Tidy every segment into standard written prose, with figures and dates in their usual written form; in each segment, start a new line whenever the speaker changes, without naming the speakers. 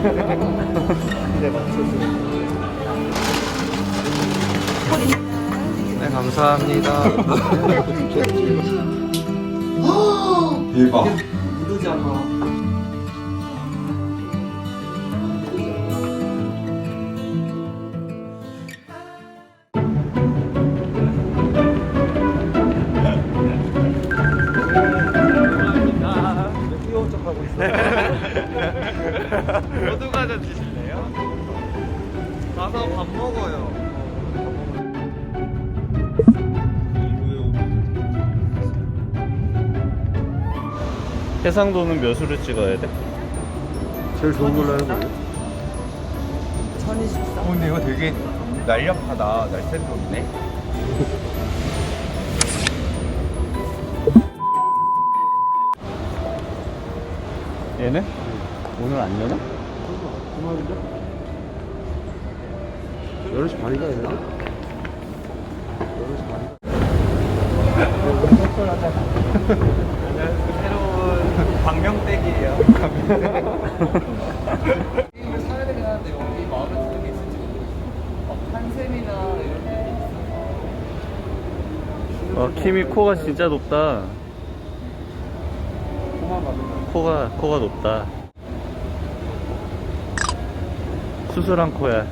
네, 맞춰주세요.
네, 감사합니다.
대박.
묻으잖아.
귀여운 척 하고 있어요.
모두 과자 드실래요? 가서 밥 먹어요. 해상도는 몇으로 찍어야 돼?
제일 좋은 걸로 해요.
1024?
근데 이거 되게 날렵하다. 날쌘 네
얘네? 오늘 안 여나?
11시 반인가 했나? 11시 반.
새로운 방명댁이에요. 게임을 사야 되긴 하는데 여기 마음에 드는 게 있을지 모르겠어. 한샘이나 이런 데 있어. 키미 코가 진짜 높다. 코가 높다. 수술한 코야.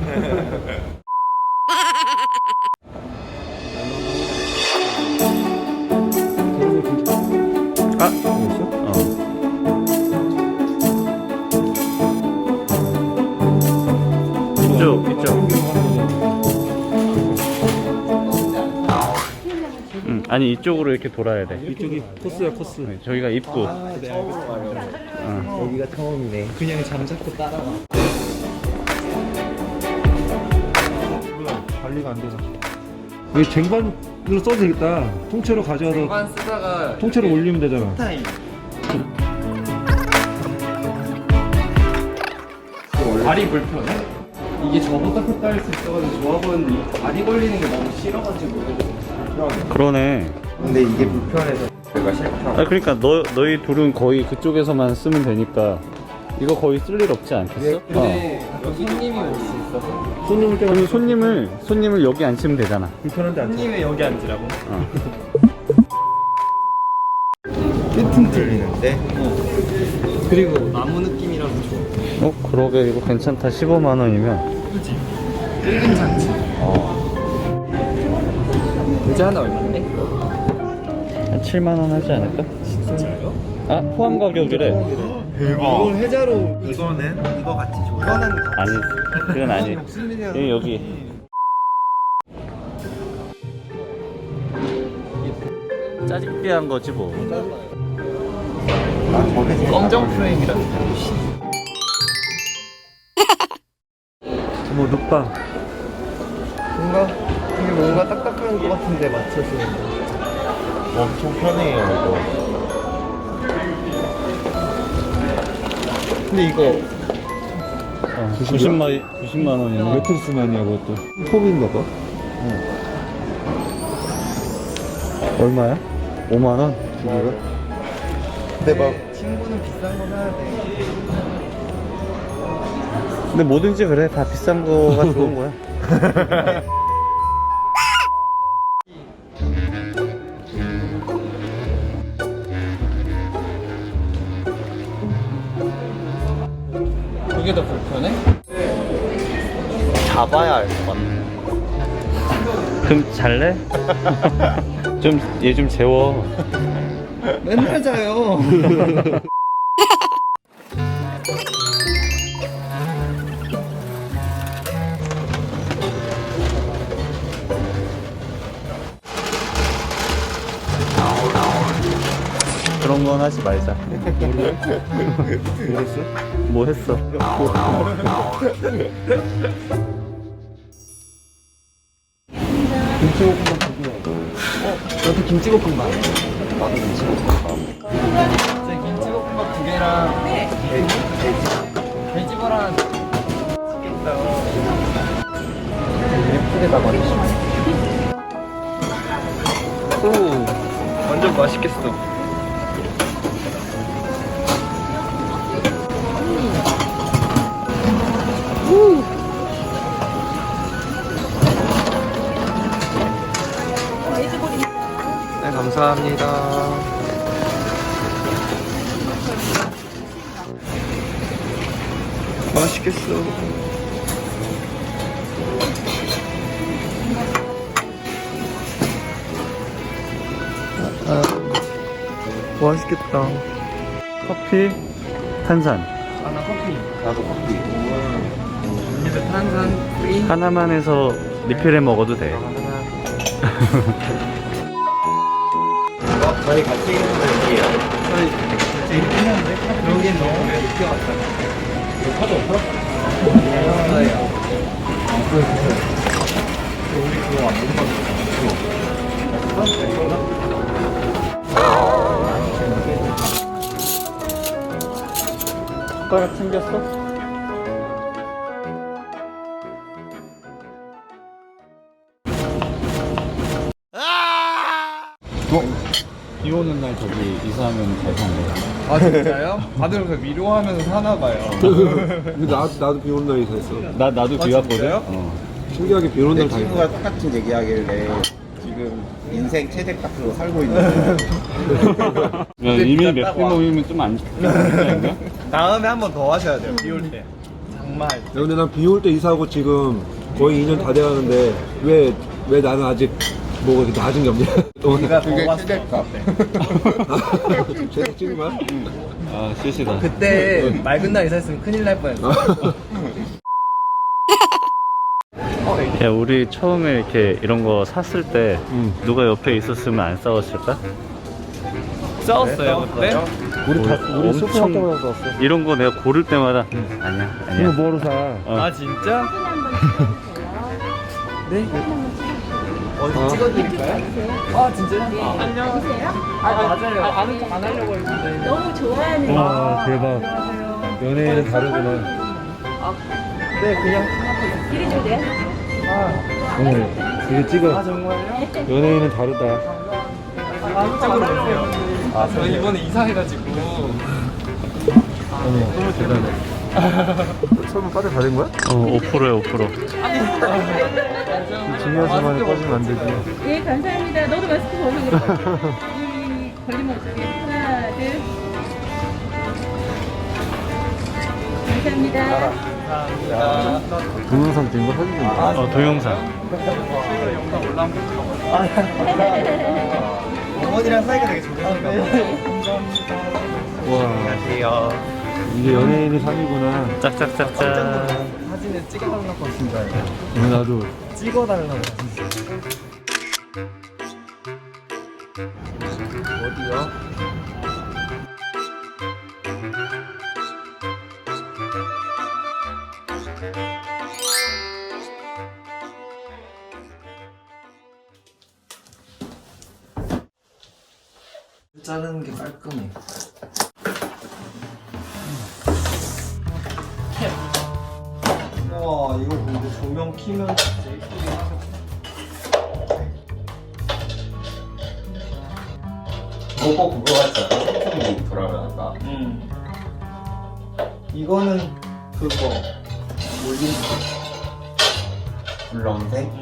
아, 이쪽. 아니 이쪽으로 이렇게 돌아야 돼.
이쪽이 코스야, 코스.
네, 저기가 입구.
네, 여기가 처음이네. 그냥 잠자코 따라와. 관리가 안 되나?
이게 쟁반으로 써도 되겠다. 통째로 가져와서
반 쓰다가
통째로 올리면 되잖아.
타임. 발이 불편해? 이게 저보다 컸다 할 수 있어가지고 좋아 보이는데 이 발이 걸리는 게 너무 싫어가지고. 그러네.
근데 이게 불편해서 내가 싫다.
아 그러니까 너희 둘은 거의 그쪽에서만 쓰면 되니까 이거 거의 쓸 일 없지 않겠어?
근데 여기 손님이 올 수 있어서.
손님을 때가
그럼 손님을 여기 앉히면 되잖아.
불편한데 안 돼.
손님이 여기 앉으라고?
어.
튼튼 들리는데? 그리고 나무 느낌이라서 좋아.
그러게 이거 괜찮다. 15만 원이면.
그치? 괜찮지? 의자 하나 얼마인데?
한 7만 원 하지 않을까?
진짜요?
아 포함 가격이래.
대박. 이걸 해자로. 이거는 이거 같이 줘. 이거는
아니 그건 아니. 여기. 짜집기한 거지 뭐.
검정 프레임이라는
뭐 눕방.
뭔가 딱딱한 것 같은데 맞춰주는 거. 엄청 편해요 이거. 근데 이거
90만 원이네.
매트리스만이야 그것도.
톱인가 봐.
얼마야? 5만 원?
두 개가? 근데 막 친구는 비싼 거 사야 돼.
근데 뭐든지 그래. 다 비싼 거가 좋은 거야. 그게 더 불편해?
잡아야 알 것 같네.
그럼 잘래? 얘 좀 재워.
맨날 자요.
그런 건 하지 말자.
그랬어?
뭐 했어?
김치볶음밥 두 개. 저도 김치볶음밥. 나도 김치볶음밥. 제 김치볶음밥 두 개랑 돼지발 하나 시켰다. 예쁘게다 말이지. 오, 완전 맛있겠어. 감사합니다. 맛있겠어. 맛있겠다.
커피, 탄산.
하나 커피. 나도 커피. 입에 탄산 프리.
하나만 해서 리필해 먹어도 돼.
저희 같이 있는 거 여기에요. 저희 같이 있는데 여기 너무 늦게 왔다. 이거 카드 없어? 저요. 우리 그거 안 먹는 거 같아.
숟가락 챙겼어? 비 오는 날 저기 이사하면 잘 산대.
아 진짜요? 다들 그 위로하면서 사나봐요.
근데 나도 비 오는 날이 다 있어.
나도 비 왔거든.
진짜요?
신기하게 비 오는
내
날 다 있어.
친구가 똑같은 얘기하길래 지금 인생 최대 값으로 살고 있는
야, 이미 맥주 모이면 좀안 좋지
다음에 한 번 더 하셔야 돼요. 비 올 때. 정말.
근데 난 비 올 때 이사하고 지금 거의 2년 다 돼가는데 왜 나는 아직 뭐 이렇게 낮은 게 없냐?
우리가
그게
더
최대 값.
계속 찍은 거야?
아, 실시다.
그때 맑은 날 이사했으면 큰일 날 뻔했어.
야, 우리 처음에 이렇게 이런 거 샀을 때 누가 옆에 있었으면 안 싸웠을까?
싸웠어요 그때?
우리 소프 할 때마다 썼어.
이런 거 내가 고를 때마다 아니야,
이거
아니야.
뭐로 사?
아 진짜? 네? 어디 찍어드릴까요? 아 진짜요? 아, 안녕하세요? 아 맞아요. 아는 척 안 하려고 했는데.
너무 좋아하는
와 대박. 연예인은 다르구나.
네 그냥.
이리 주세요.
이거 찍어.
아 정말요?
연예인은 다르다.
이쪽으로 오세요. 아 저희 이번에 이사해가지고.
너무 대단해. 설마 빠져 다 된 거야?
5%야, 5%.
중요한 순간에 빠지면 안 되지.
네, 감사합니다. 너도 마스크 벗어. 걸리면 어떡해. 하나, 둘. 감사합니다.
감사합니다.
동영상 찍은 거 사진 좀 봐.
동영상.
영상 올라온 어머니랑 사이가 되게 좋으신가 봐요. 감사합니다.
와
안녕하세요.
이게 연예인이 3이구나.
짝짝짝짝.
사진을 찍어달라고 하신 줄 알고.
나도.
찍어달라고 하신 줄 알고. 어디요? 자르는 게 깔끔해. 우와 이거 근데 조명 키면 진짜 예쁘게 하셨다.
그거 그거 같지 않아? 소품이 돌아가니까.
이거는 그거 뭐지?
불렁색?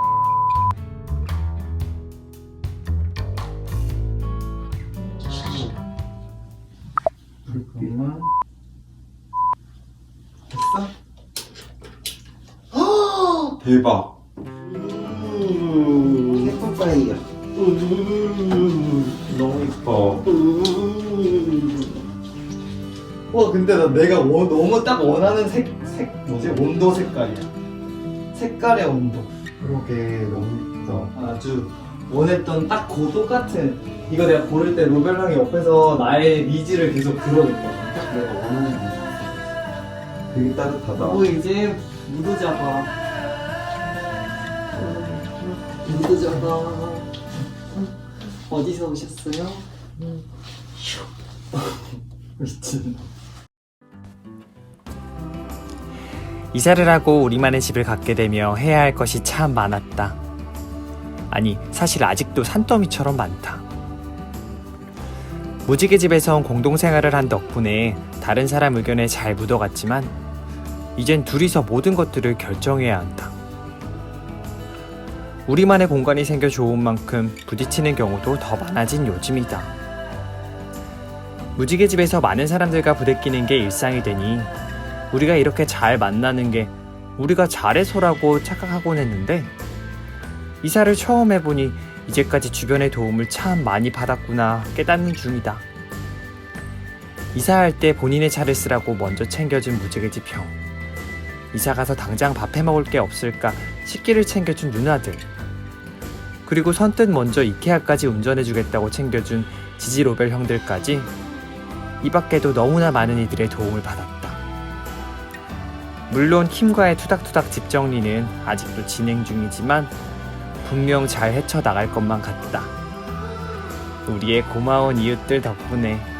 잠깐만. 됐어?
대박. 예쁘파이야. 너무 이뻐.
와 근데 내가 너무 딱 원하는 색 뭐지? 온도 색깔이야. 색깔의 온도.
그러게 너무 이뻐.
아주 원했던 딱 그 똑같은. 이거 내가 고를 때 로벨랑이 옆에서 나의 니즈를 계속 들어줬거든.
딱 내가 원하는 거. 되게 따뜻하다.
이제 무드 잡아. 무드 잡아. 어디서 오셨어요? 미친.
이사를 하고 우리만의 집을 갖게 되며 해야 할 것이 참 많았다. 아니, 사실 아직도 산더미처럼 많다. 무지개 집에선 공동생활을 한 덕분에 다른 사람 의견에 잘 묻어갔지만 이젠 둘이서 모든 것들을 결정해야 한다. 우리만의 공간이 생겨 좋은 만큼 부딪히는 경우도 더 많아진 요즘이다. 무지개집에서 많은 사람들과 부대끼는 게 일상이 되니 우리가 이렇게 잘 만나는 게 우리가 잘해서라고 착각하곤 했는데 이사를 처음 해보니 이제까지 주변의 도움을 참 많이 받았구나 깨닫는 중이다. 이사할 때 본인의 차를 쓰라고 먼저 챙겨준 무지개집 형, 이사가서 당장 밥 해먹을 게 없을까 식기를 챙겨준 누나들, 그리고 선뜻 먼저 이케아까지 운전해주겠다고 챙겨준 지지로벨 형들까지 이 밖에도 너무나 많은 이들의 도움을 받았다. 물론 킴과의 투닥투닥 집 정리는 아직도 진행 중이지만 분명 잘 헤쳐나갈 것만 같다. 우리의 고마운 이웃들 덕분에